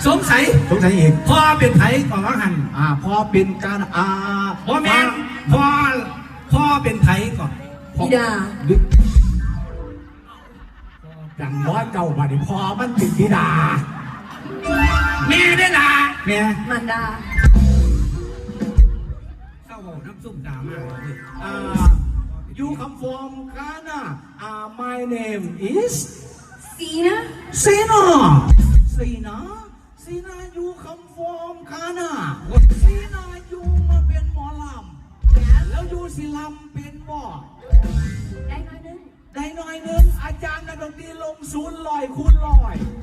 สงสัยอีกพ่อเป็นไผก่อนว่าหันพ่อเป็นการพ่อแม่พ่อเป็นไผก่อนบิดาดังน้อยเจ้าบัดนี้พ่อมันเป็นบิดาแม่ได้ล่ะแม่มารดาเข้าน้ำซุปดามากเลย You come from Ghana. My name is Sina. Sina, you come from Ghana. Sina, you มาเป็นหมอลำแล้วยูสิลำเป็นบ่ได้น้อยนึงอาจารย์นักดนตรีลง000 คูณ 100